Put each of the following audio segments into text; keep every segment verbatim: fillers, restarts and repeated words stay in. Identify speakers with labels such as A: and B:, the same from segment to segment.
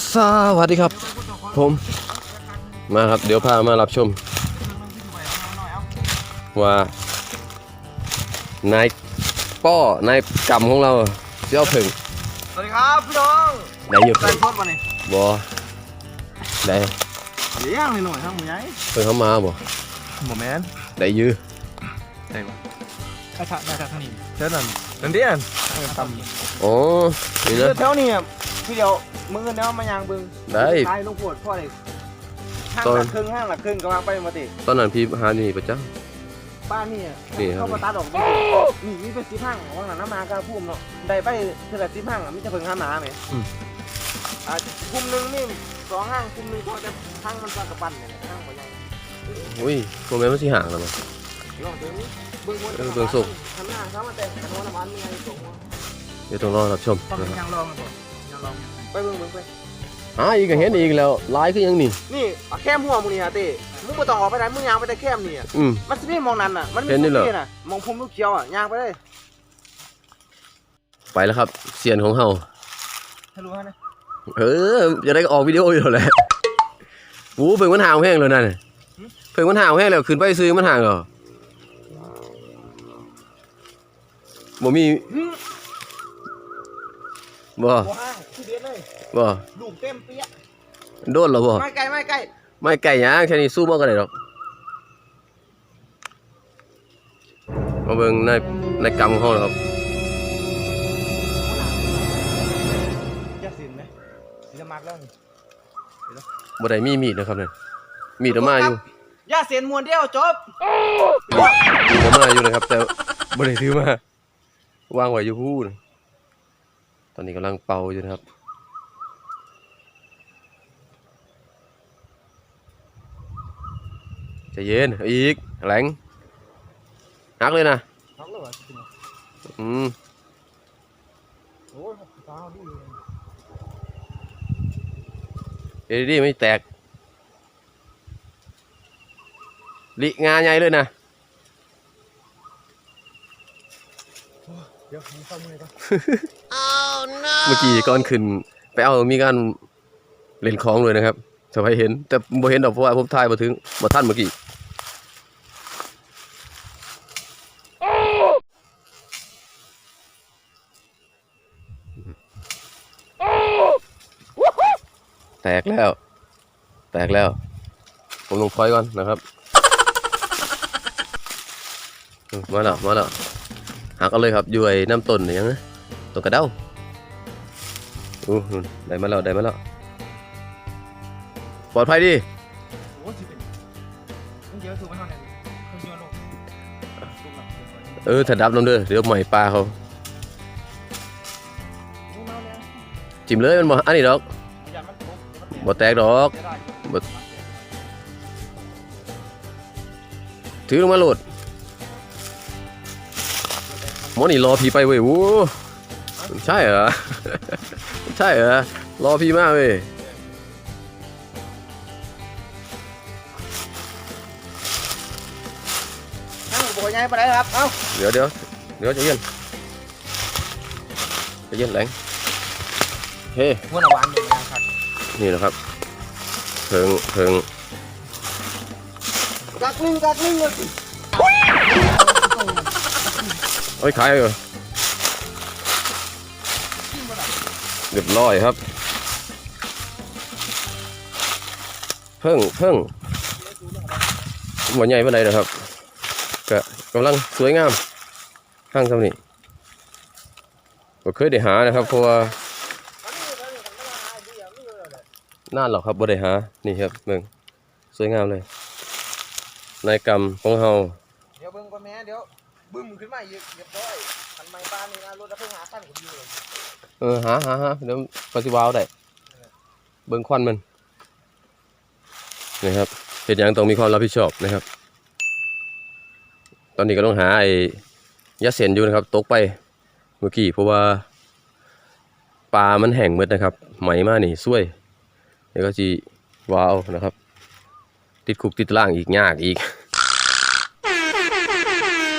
A: สวัสดีครับผมมาครับเดี๋ยวพามารับชมว่านายป้อนายกำของเราเจ้าผึ่ง
B: สวัสดีครับพี่น้อง
A: ได้อยู่
B: ใส่ทอดมาเนี่ย
A: บอได้
B: เลี้ยงหน่อยทั้งหมดยัย
A: เพิ่งเข้ามาบ่
B: หมดแมน
A: ได้ยื้อ
B: ได้ปะไอ้ท่าได้ท่าท่านี้เท่านั้นนั่นเดียนต
A: ำอ๋อนี่นะ
B: เท่านี้พี่เดียวมึงเนาะมายางบึง
A: ได้
B: ตายลงปวดพ่อเลยห้างหลักครึ่งห้างหลักครึ่งกำลังไปมาติ
A: ตอนนั้นพี่หานี่ประจ้า
B: บ้านนี่เข้ามาตาดอกนี่มีเป็นสีห้างว่างหลังน้ำมากระพุ่มเนาะได้ไปเท่าไหร่สีห้างมิจะเพิ่งห้าหนาไหมอ่าคุมหนึ่งนี่สองห้างคุมหนึ่งพอจะห้างมันปลากระปั้นเนี่ยห้างหัวใหญ่
A: อุ้ยโมเมนต์มันสีห่างแล้วมั้งเบื้องสุกเดี๋ยวต้องรอรับชม
B: ยังลองยังลองไปเบื้องเบื้องไป
A: อ่าอีกก็เห็นอีกแล้วลายคือยังนี่
B: นี่แค่หัวมึงนี่ฮะเต้มึงไม่ต้องออกไปไหนมึงยางไปแต่แค่นี่อ่ะมันจะไม่มองนั่นอ่ะมันไม่เห็นนี่น่ะมองพุ่มลูกเขียวอ่ะยางไปเลย
A: ไปแล้วครับเสียนของเฮา
B: ฮัลโหลฮะนะ
A: เออจะได้ออกวิดีโออยู่แล้วโอ้เพิ่งมันห่างแห้งเลยนั่นเพิ่งมันห่างแห้งแล้วขึ้นไปซื้อมันห่างเหรอบ่มีบ่บ่
B: ลูกเต็มเปี้ย
A: โดนหรอบ่
B: ไม่ไกลไม่ไกล
A: ไม่ไกลยังแค่นี้สู้บ่กันได้หรอกมาเบิ่งในในกำของเฮาครับ
B: จะสินไหมจะมักแล้ว
A: บ่ได้มีมีดนะครับเนี่ยมีดมาอยู่
B: ย่าเสียนมวนเดียวจบ
A: มีดมาอยู่นะครับแต่บ่ได้ถือมาวางไว้อยู่พูดตอนนี้กำลังเป่าอยู่นะครับใจเย็นอีกแหลงหักเลยนะอืมเอ็ดดี้ไม่แตกลิงาใหญ่เลยนะ
B: เดี๋ยวผมเข้ามือก่อน
A: เมื่อกี้ก่อนขึ้นไปเอามีการเล่นคล้องเลยนะครับจะให้เห็นแต่บ่เห็นดอกเพราะว่าผมถ่ายมาถึงมาท่านเมื่อกี้แตกแล้วแตกแล้วผมลงพอยก่อนนะครับมาแล้วมาแล้วหักเอาเลยครับอยู่ไอ้น้ำต้นอย่างนี้ต้นกระเด้าอู้ได้มาแล้วได้มาแล้วปลอดภัยดีเออถ้าดับน้ำเด้อเดี๋ยวใหม่ปลาเขาจิ้มเลยมันบ่อันนี้ดอกบ่แตกดอกถือลงมาโหลดหมอนี่รอพี่ไปเว้ยโว้ใช่เหรอใช่เหรอรอพี่มากเว้ย
B: นั่งโบยไงไปไหนครับเอ้า
A: เดี๋ยวเดี๋ยวเดี๋ยวจะเย็นจะเย็นแรงเฮ้
B: ม้วนหวานอยู่นะครับ
A: นี่นะครับเพิงเพิง
B: กักลิงกักลิงเลย
A: โอ้ยขายเหรอเรียบร้อยครับเพิ่งเพิ่งหัวใหญ่เป็นไรนะครับก็กำลังสวยงามข้างเท่านี้ก็เคยได้หานะครับเพราะว่าน่าหรอกครับบ่ได้หานี่ครับเบิ่งสวยงามเลยนายกรรมของเฮา
B: เดี๋ยวเบิ่งก่อนแม่เดี๋ยวบึ้มขึ้นมาอีกเรียบร้อยทันไม้บ้านนี่นะรถดับเพลิงหาขั้นผมอยู่เลย
A: เออหาหาหาเดี๋ยวปฏิวาวได้เบิ่งควันมันนี่ครับเหตุอย่างต้องมีความรับผิดชอบนะครับตอนนี้ก็ต้องหาไอ้ยาเสนอยู่นะครับตกไปเมื่อกี้เพราะว่าปลามันแห้งหมดนะครับไหมมานี่ช่วยเดี๋ยวก็จีวาวนะครับติดคุกติดล่างอีกยากอีก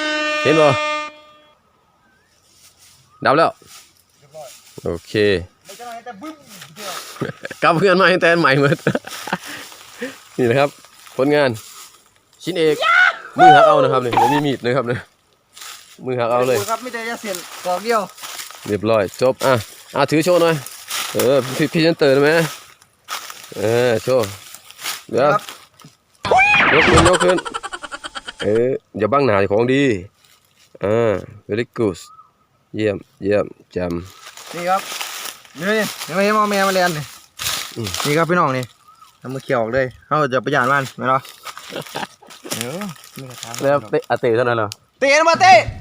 A: เห็นบ่ดับแล้วโอเค
B: เจ้าหน่อยแต่บึ้มเดียว
A: กลับเพื่อนมาให้แทนใหม่หมด นี่นะครับผลงานชิ้นเอกมือหักเอานะครับนี่ผมมีมีดนะครับเนี่ยมือหักเอาเลย
B: ครับไม่ได้จะเสียนกอกเดียว
A: เรียบร้อยจบอ่ะอ่ะถือโชว์หน่อยเออพี่พี่ฉันเตือนไหมเออโชว์เดี๋ยวยกขึ้นยกขึ้นเอออย่าบังหน้าของดีอ่า very good เยี่ยมเยี่ยมจำ
B: นี่ครับนี่นี่ยังไม่ให้มอแม่มาเรียนนี่
A: อืม
B: นี่ครับพี่น้องนี่ทำมือเขียวออกเลยเขาจะประหยัดมันไหมเนาะเดี๋ยวนี่กระทะ
A: แล้วเตะอาเตะเท่านั้นเหรอ
B: เตะมาเตะ